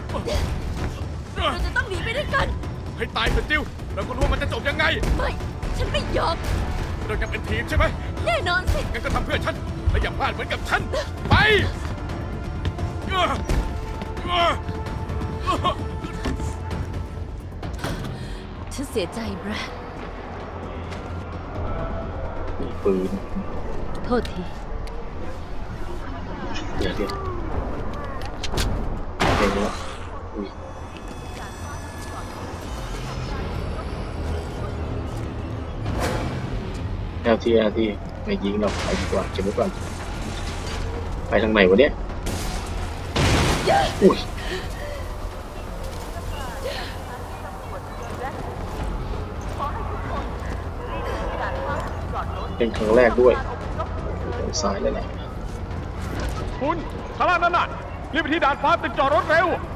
เราจะต้องหนีไปด้วยกันให้ตายเถอะจิวเราก็รู้ว่ามันจะจบยังไงไม่ ฉันไม่ยอมเรายังเป็นทีมใช่ไหมแน่นอนสิงั้นก็ทำเพื่อฉันและอย่าพลาดเหมือนกับฉัน ไปฉันเสียใจแบรดมีปืนโทษทีเดี๋ยวเดี๋ยวแล้วอุ้ยLTไม่ยิงเราไปดีกว่าเก็บไว้ก่อนไปทางไหนวะเนี่ยอุ้ยเป็นครั้งแรกด้วยทางซ้ายแล้วแหละคุณข้างล่างนั่นน่ะรีบไปที่ด่านฟ้าตึกจอดรถเร็ว